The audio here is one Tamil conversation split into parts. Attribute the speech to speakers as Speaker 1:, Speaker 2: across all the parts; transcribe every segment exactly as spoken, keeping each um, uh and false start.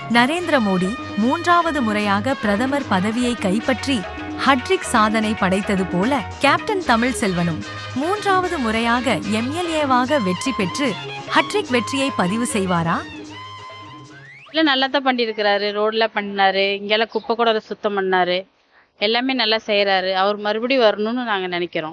Speaker 1: நரேந்திர மோடி மூன்றாவது முறையாக பிரதமர் பதவியை கைப்பற்றி ஹட்ரிக் சாதனை படைத்தது போல கேப்டன் தமிழ்செல்வனும் மூன்றாவது முறையாக எம்எல்ஏவாக வெற்றி பெற்று ஹட்ரிக் வெற்றியை பதிவு செய்வாரா?
Speaker 2: இல்லை, நல்லா தான் பண்ணியிருக்கிறாரு. ரோடில் பண்ணாரு, இங்கெல்லாம் குப்பை கூட சுத்தம் பண்ணாரு, எல்லாமே நல்லா செய்கிறாரு. அவர் மறுபடியும் வரணும்னு நாங்கள் நினைக்கிறோம்.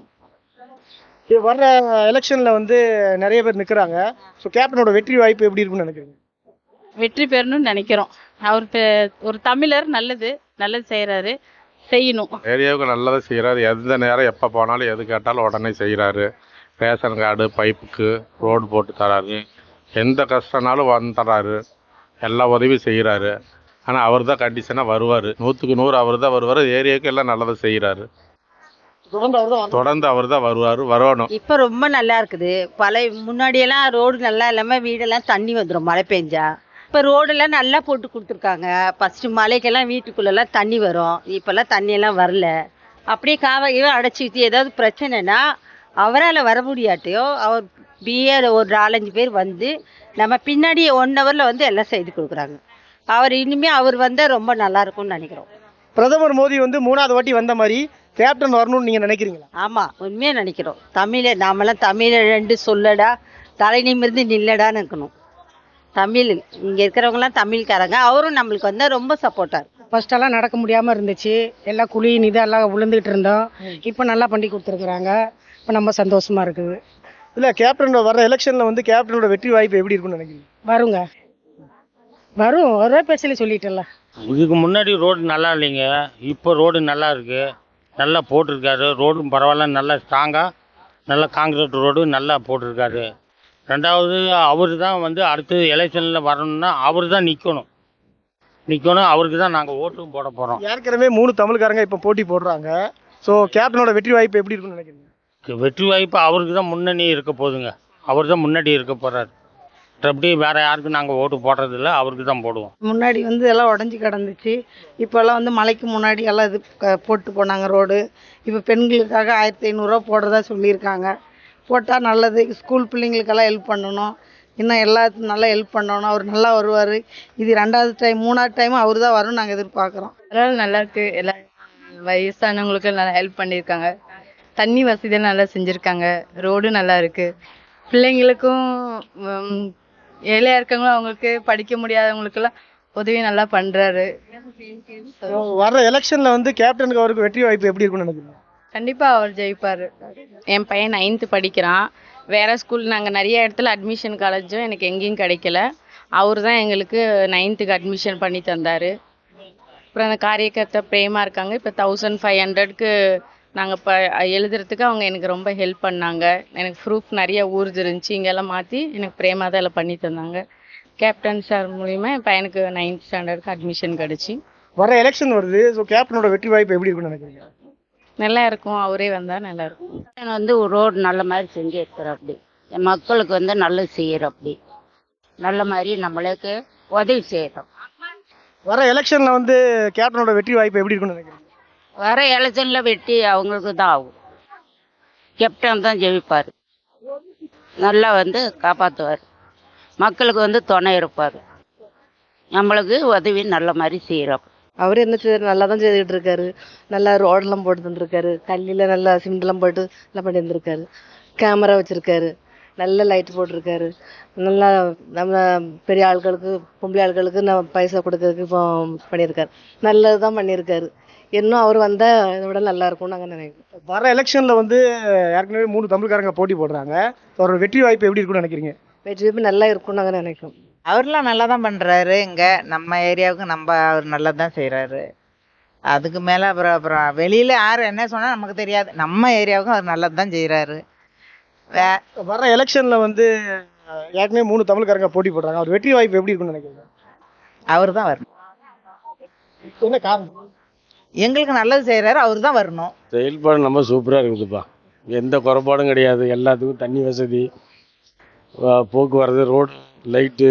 Speaker 3: இது வர்ற எலெக்ஷன்ல வந்து நிறைய பேர் நிற்கிறாங்க. ஸோ கேப்டனோட வெற்றி வாய்ப்பு எப்படி இருக்குன்னு நினைக்கிறீங்க?
Speaker 2: வெற்றி பெறணும்னு நினைக்கிறோம். அவர் பெ- ஒரு தமிழர், நல்லது நல்லது செய்கிறாரு, செய்யணும்.
Speaker 4: ஏரியாவுக்கு நல்லதாக செய்கிறாரு. எந்த நேரம் எப்போ போனாலும் எது கேட்டாலும் உடனே செய்கிறாரு. ரேஷன் கார்டு, பைப்புக்கு ரோடு போட்டு தராரு. எந்த கஷ்டம்னாலும் வந்து தராரு. எல்லா உதவியும் செய்கிறாரு. ஆனால் அவர் தான் கண்டிஷனாக வருவார். நூற்றுக்கு நூறு அவர் தான் வருவார். ஏரியாவுக்கு எல்லாம் நல்லதாக செய்கிறாரு.
Speaker 3: தொடர்ந்து அவர் தான்
Speaker 4: தொடர்ந்து அவர் தான் வருவார், வரணும்.
Speaker 5: இப்போ ரொம்ப நல்லா இருக்குது. பழைய முன்னாடியெல்லாம் ரோடு நல்லா இல்லாமல் வீடெல்லாம் தண்ணி வந்துடும் மழை பெஞ்சா. இப்போ ரோடெல்லாம் நல்லா போட்டு கொடுத்துருக்காங்க. ஃபஸ்ட்டு மழைக்கெல்லாம் வீட்டுக்குள்ளெல்லாம் தண்ணி வரும். இப்போல்லாம் தண்ணியெல்லாம் வரல. அப்படியே காவையோ அடைச்சிக்கிட்டு ஏதாவது பிரச்சனைனா அவரால் வர முடியாட்டையோ அவர் பிஏ ஒரு நாலஞ்சு பேர் வந்து நம்ம பின்னாடி ஒன் ஹவரில் வந்து எல்லாம் செய்து கொடுக்குறாங்க. அவர் இனிமேல் அவர் வந்தால் ரொம்ப நல்லா இருக்கும்னு நினைக்கிறோம்.
Speaker 3: பிரதமர் மோடி வந்து மூணாவது வாட்டி வந்த மாதிரி கேப்டன் வரணும்னு நீங்க நினைக்கிறீங்களா?
Speaker 5: ஆமாம், உண்மையாக நினைக்கிறோம். தமிழை நாமெல்லாம் தமிழை ரெண்டு சொல்லடா, தலை நிமிர்ந்து நில்லடான்னு இருக்கணும். தமிழ் இங்கே இருக்கிறவங்களாம் தமிழ்காரங்க. அவரும் நம்மளுக்கு வந்தால் ரொம்ப சப்போர்ட்டாக.
Speaker 6: ஃபர்ஸ்டெல்லாம் நடக்க முடியாமல் இருந்துச்சு. எல்லாம் குழி நிதி எல்லாம் விழுந்துகிட்டு இருந்தோம். இப்போ நல்லா பண்ணி கொடுத்துருக்குறாங்க. இப்போ நம்ம சந்தோஷமா இருக்குது.
Speaker 3: இல்ல கேப்டன் வர்ற எலெக்ஷன்ல வந்து கேப்டனோட வெற்றி வாய்ப்பு எப்படி இருக்குன்னு நினைக்கிறீங்க?
Speaker 6: வருங்க, வரும். ஒரே பேசல சொல்லிட்டல.
Speaker 7: இதுக்கு முன்னாடி ரோடு நல்லா இல்லைங்க. இப்போ ரோடு நல்லா இருக்கு, நல்லா போட்டிருக்காரு. ரோடும் பரவாயில்ல, நல்லா ஸ்ட்ராங்காக நல்லா காங்கிரீட் ரோடு நல்லா போட்டிருக்காரு. ரெண்டாவது அவர் தான் வந்து அடுத்து எலெக்ஷனில் வரணும்னா அவர் தான் நிற்கணும் நிற்கணும் அவருக்கு தான் நாங்கள் ஓட்டும் போட போகிறோம்.
Speaker 3: ஏற்கனவே மூணு தமிழ்காரங்க இப்போ போட்டி போடுறாங்க. ஸோ கேப்டனோட வெற்றி வாய்ப்பு எப்படி இருக்குன்னு நினைக்கிறீங்க?
Speaker 7: வெற்றி வாய்ப்பு அவருக்கு தான் முன்னணி இருக்க போகுதுங்க. அவர் தான் முன்னாடி இருக்க போகிறாரு. மற்றபடி வேறு யாருக்கும் நாங்கள் ஓட்டு போடுறதில்ல, அவருக்கு தான் போடுவோம்.
Speaker 6: முன்னாடி வந்து எல்லாம் உடஞ்சி கிடந்துச்சு. இப்போல்லாம் வந்து மழைக்கு முன்னாடி எல்லாம் இது க- போட்டு போனாங்க ரோடு. இப்போ பெண்களுக்காக ஆயிரத்தி ஐநூறுரூவா போடுறதா சொல்லியிருக்காங்க. போட்டால் நல்லது. ஸ்கூல் பிள்ளைங்களுக்கெல்லாம் ஹெல்ப் பண்ணணும். இன்னும் எல்லாத்துக்கும் நல்லா ஹெல்ப் பண்ணணும். அவர் நல்லா வருவார். இது ரெண்டாவது டைம் மூணாவது டைம் அவர் தான் வரும்னு நாங்கள் எதிர்பார்க்குறோம்.
Speaker 2: அதனால நல்லா இருக்கு. எல்லா வயசானவங்களுக்கு நல்லா ஹெல்ப் பண்ணியிருக்காங்க. தண்ணி வசதியெல்லாம் நல்லா செஞ்சுருக்காங்க. ரோடு நல்லா இருக்கு. பிள்ளைங்களுக்கும் உம், ஏழையா இருக்கவங்களும் அவங்களுக்கு படிக்க முடியாதவங்களுக்கெல்லாம் உதவி நல்லா பண்றாரு.
Speaker 3: So, வர்ற எலெக்ஷன்ல வந்து கேப்டனுக்கு அவருக்கு வெற்றி வாய்ப்பு எப்படி இருக்குன்னு நினைக்கிறீங்க?
Speaker 2: கண்டிப்பா அவர் ஜெயிப்பாரு. என் பையன் நைன்த்து படிக்கிறான். வேற ஸ்கூல் நாங்கள் நிறைய இடத்துல அட்மிஷன் காலேஜும் எனக்கு எங்கேயும் கிடைக்கல. அவர் தான் எங்களுக்கு நைன்த்துக்கு அட்மிஷன் பண்ணி தந்தார். அப்புறம் அந்த காரியக்கர்த்தா பிரேமா இருக்காங்க. இப்போ தௌசண்ட் ஃபைவ் ஹண்ட்ரட்க்கு நாங்கள் இப்போ எழுதுறதுக்கு அவங்க எனக்கு ரொம்ப ஹெல்ப் பண்ணாங்க. எனக்கு ப்ரூஃப் நிறைய ஊர்து இருந்துச்சு, இங்கெல்லாம் மாற்றி எனக்கு பிரேமா தான் எல்லாம் பண்ணி தந்தாங்க. கேப்டன் சார் மூலிமா என் பையனுக்கு நைன்த் ஸ்டாண்டர்டுக்கு அட்மிஷன் கிடச்சி.
Speaker 3: வர எலெக்ஷன் வருது. ஸோ கேப்டனோட வெற்றி வாய்ப்பு எப்படி இருக்குன்னு நினைக்கிறீங்க?
Speaker 2: நல்லா இருக்கும். அவரே வந்தால் நல்லா இருக்கும்.
Speaker 5: வந்து ரோடு நல்ல மாதிரி செஞ்சு இருக்கிற அப்படி மக்களுக்கு வந்து நல்லது செய்யற அப்படி நல்ல மாதிரி நம்மளுக்கு உதவி செய்யறோம்.
Speaker 3: வர எலெக்ஷன்ல வந்து கேப்டனோட வெற்றி வாய்ப்பு எப்படி இருக்குன்னு நினைக்கிறீங்க?
Speaker 5: வர எலெக்ஷன்ல வெட்டி அவங்களுக்கு தான் ஆகும். கேப்டன் தான் ஜெயிப்பார். நல்லா வந்து காப்பாற்றுவார். மக்களுக்கு வந்து துணை இருப்பார். நம்மளுக்கு உதவி நல்ல மாதிரி செய்கிறோம்.
Speaker 6: அவர் என்ன செய்ய நல்லா தான் செய்துட்டு இருக்காரு. நல்லா ரோடெல்லாம் போட்டு தந்துருக்காரு. கல்லில் நல்லா சிமெண்ட்லாம் போட்டு நல்லா பண்ணி தந்துருக்காரு. கேமரா வச்சுருக்காரு. நல்ல லைட் போட்டிருக்காரு. நல்லா நம்ம பெரிய ஆட்களுக்கு பொம்பளை ஆட்களுக்கு நம்ம பைசா கொடுக்கறதுக்கு இப்போ பண்ணியிருக்காரு. நல்லது தான் பண்ணியிருக்காரு. இன்னும் அவர் வந்தால் இதை விட நல்லா இருக்கும்னு நாங்கள் நினைக்கிறோம்.
Speaker 3: வர எலெக்ஷன்ல வந்து ஏற்கனவே மூணு தமிழ்காரங்க போட்டி போடுறாங்க. அவரோட வெற்றி வாய்ப்பு எப்படி இருக்குன்னு நினைக்கிறீங்க?
Speaker 6: வெற்றி வாய்ப்பு நல்லா இருக்கும்னு நாங்கள் நினைக்கிறோம்.
Speaker 8: அவர்லாம் நல்லா தான் பண்ணுறாரு. இங்கே நம்ம ஏரியாவுக்கு நம்ம அவர் நல்லா தான் செய்கிறாரு. அதுக்கு மேலே அப்புறம் அப்புறம் வெளியில் யார் என்ன சொன்னால் நமக்கு தெரியாது. நம்ம ஏரியாவுக்கும் அவர் நல்லது தான் செய்கிறாரு. வே
Speaker 3: வர எலெக்ஷன்ல வந்து ஏற்கனவே மூணு தமிழ்காரங்க போட்டி போடுறாங்க. அவர் வெற்றி வாய்ப்பு எப்படி இருக்குன்னு நினைக்கிறீங்க?
Speaker 8: அவர் தான் வரணும்.
Speaker 3: என்ன காரணம்?
Speaker 8: எங்களுக்கு நல்லது செய்கிறாரு, அவர் தான் வரணும்.
Speaker 9: செயல்பாடு நம்ம சூப்பராக இருக்குதுப்பா. எந்த குறைபாடும் கிடையாது. எல்லாத்துக்கும் தண்ணி வசதி, வ- போக்குவரத்து, ரோடு, லைட்டு,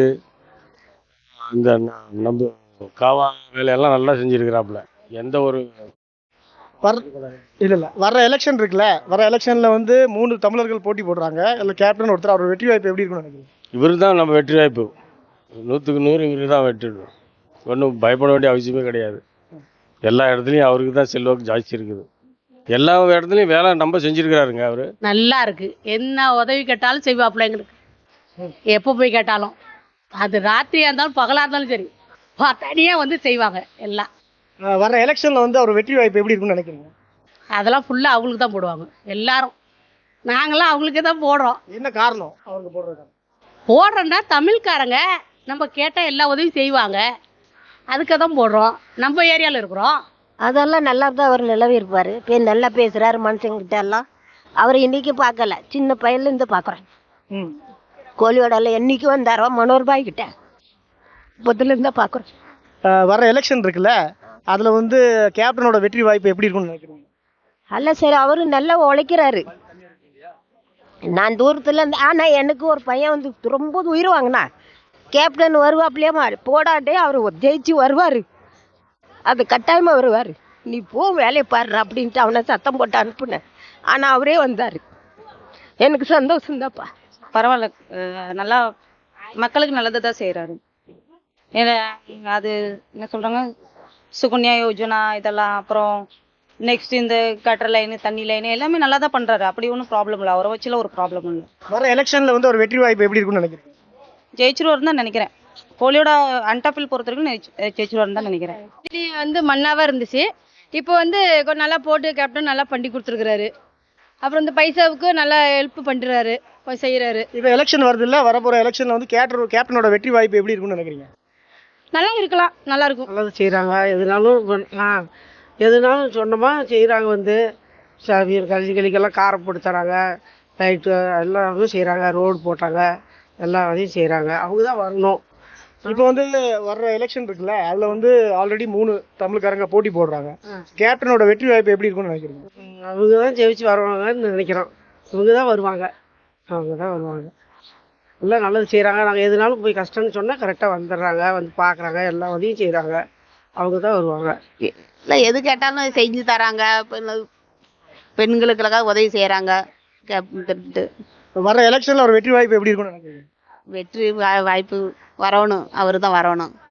Speaker 9: இந்த ந- நம்ம காவா வேலையெல்லாம் நல்லா செஞ்சுருக்கிறாப்புல. எந்த ஒரு
Speaker 3: வர இல்ல இல்ல வர எலெக்ஷன் இருக்குல்ல, வர எலெக்ஷன்ல வந்து மூணு தமிழர்கள் போட்டி போடுறாங்க. இல்லை கேப்டன் ஒருத்தர். அவரோட வெற்றி வாய்ப்பு எப்படி இருக்குன்னு நினைக்கிறீங்க?
Speaker 9: இவரு தான் நம்ம வெற்றி வாய்ப்பு. நூற்றுக்கு நூறு இவரு தான் வெற்றி. ஒன்றும் பயப்பட வேண்டிய அவசியமே கிடையாது. எல்லா இடத்துலையும் அவருக்கு தான் செல்வாக்கு ஜாஸ்தி இருக்குது. எல்லா இடத்துலையும் வேலை நம்ம செஞ்சுருக்கிறாருங்க அவர்.
Speaker 10: நல்லா இருக்கு. என்ன உதவி கேட்டாலும் செய்வாப்புல எங்களுக்கு. எப்போ போய் கேட்டாலும், அது ராத்திரியாக இருந்தாலும் பகலாக இருந்தாலும் சரி, தனியாக வந்து செய்வாங்க எல்லாம்.
Speaker 3: அஹ் வர்ற எலெக்ஷனில் வந்து அவர் வெற்றி வாய்ப்பு எப்படி இருக்குன்னு நினைக்கிறீங்க?
Speaker 10: அதெல்லாம் ஃபுல்லாக அவங்களுக்கு தான் போடுவாங்க எல்லாரும். நாங்களாம் அவங்களுக்கே தான் போடுறோம்.
Speaker 3: என்ன காரணம் அவருக்கு போடுறது?
Speaker 10: போடுறோன்னா தமிழ்காரங்க நம்ம கேட்டால் எல்லா உதவியும் செய்வாங்க, அதுக்கு தான் போடுறோம். நம்ம ஏரியாவில் இருக்கிறோம்.
Speaker 5: அதெல்லாம் நல்லா தான் அவர் நிலவி இருப்பார். இப்போ நல்லா பேசுகிறாரு மனுஷங்கிட்ட எல்லாம். அவர் இன்னைக்கு பார்க்கல, சின்ன பையன்லேருந்து பார்க்குறேன்.
Speaker 3: ம்
Speaker 5: கோழியோடல என்னைக்கு வந்தாரோ மனோர்பாய் கிட்ட பொதுலேருந்து தான் பார்க்குறோம்.
Speaker 3: அஹ் வர்ற எலெக்ஷன் இருக்குல்ல, அதில் வந்து கேப்டனோட வெற்றி வாய்ப்பு எப்படி இருக்குன்னு நினைக்கிறீங்க?
Speaker 5: அல்ல சரி, அவரு நல்லா உழைக்கிறாரு. நான் தூரத்துல இருந்து, ஆனா எனக்கு ஒரு பையன் வந்து ரொம்ப உயிர் வாங்கினா கேப்டன் வருவாப்லையே மாறி போடாண்டே அவர் ஜெயிச்சு வருவார். அது கட்டாயமா வருவார். நீ போ வேலையை பாரு அப்படின்ட்டு அவனை சத்தம் போட்டு அனுப்புனேன். ஆனா அவரே வந்தார். எனக்கு சந்தோஷம்தாப்பா.
Speaker 11: பரவாயில்ல. அஹ் நல்லா மக்களுக்கு நல்லதை தான் செய்கிறாரு. அது என்ன சொல்கிறாங்க, சுகன்யா யோஜனா இதெல்லாம், அப்புறம் நெக்ஸ்ட் இந்த கட்டர் லைனு தண்ணி லைனு எல்லாமே நல்லா தான் பண்ணுறாரு. அப்படி ஒன்றும் ப்ராப்ளம் இல்லை, அவரை வச்சுல ஒரு ப்ராப்ளம் இல்லை.
Speaker 3: வர எலெக்ஷனில் வந்து ஒரு வெற்றி வாய்ப்பு எப்படி இருக்குன்னு நினைக்கிறீங்க?
Speaker 11: ஜெயிச்சிருவாருன்னு தான் நினைக்கிறேன். கோலியோட அன்டாப்பில் பொறுத்த வரைக்கும் ஜெயிச்சிருவாருன்னு தான் நினைக்கிறேன்.
Speaker 2: வந்து மண்ணாவாக இருந்துச்சு, இப்போ வந்து கொஞ்சம் நல்லா போட்டு கேப்டன் நல்லா பண்ணி கொடுத்துருக்குறாரு. அப்புறம் இந்த பைசாவுக்கு நல்லா ஹெல்ப் பண்ணுறாரு, செய்கிறாரு.
Speaker 3: இப்போ எலெக்ஷன் வருது இல்லை, வரப்போகிற எலெக்ஷனில் வந்து கேப்டன் கேப்டனோட வெற்றி வாய்ப்பு எப்படி இருக்குன்னு நினைக்கிறீங்க?
Speaker 2: நல்லா இருக்கலாம், நல்லா இருக்கும்.
Speaker 6: நல்லது செய்கிறாங்க. எதுனாலும் பண்- ஆ எதுனாலும் சொன்னோமா செய்கிறாங்க. வந்து சவியல் கல்வி கழிக்கெல்லாம் காரம் போட்டு தராங்க, லைட்டு எல்லாமே செய்கிறாங்க, ரோடு போட்டாங்க, எல்லா வேலையும் செய்கிறாங்க. அவங்க தான் வரணும்.
Speaker 3: இப்போ வந்து வர்ற எலெக்ஷன் இருக்குல்ல, அதில் வந்து ஆல்ரெடி மூணு தமிழ்காரங்க போட்டி போடுறாங்க. கேப்டனோட வெற்றி வாய்ப்பு எப்படி இருக்குன்னு நினைக்கிறீங்க?
Speaker 6: ம், அவங்க தான் ஜெயிச்சு வருவாங்கன்னு நினைக்கிறோம். இவங்க தான் வருவாங்க, அவங்க தான் வருவாங்க. எல்லாம் நல்லது செய்கிறாங்க. நாங்கள் எதுனாலும் போய் கஷ்டம்னு சொன்னால் கரெக்டாக வந்துடுறாங்க, வந்து பார்க்குறாங்க, எல்லா உதவியும் செய்கிறாங்க. அவங்க தான் வருவாங்க.
Speaker 12: இல்லை எது கேட்டாலும் செஞ்சு தராங்க. பெண்- பெண்களுக்கெல்லாம் உதவி செய்கிறாங்க.
Speaker 3: வர்ற எலெக்ஷனில் ஒரு வெற்றி வாய்ப்பு எப்படி இருக்குன்னு நினைக்கிறீங்க?
Speaker 12: வெற்றி வா- வாய்ப்பு வரணும், அவர் தான் வரணும்.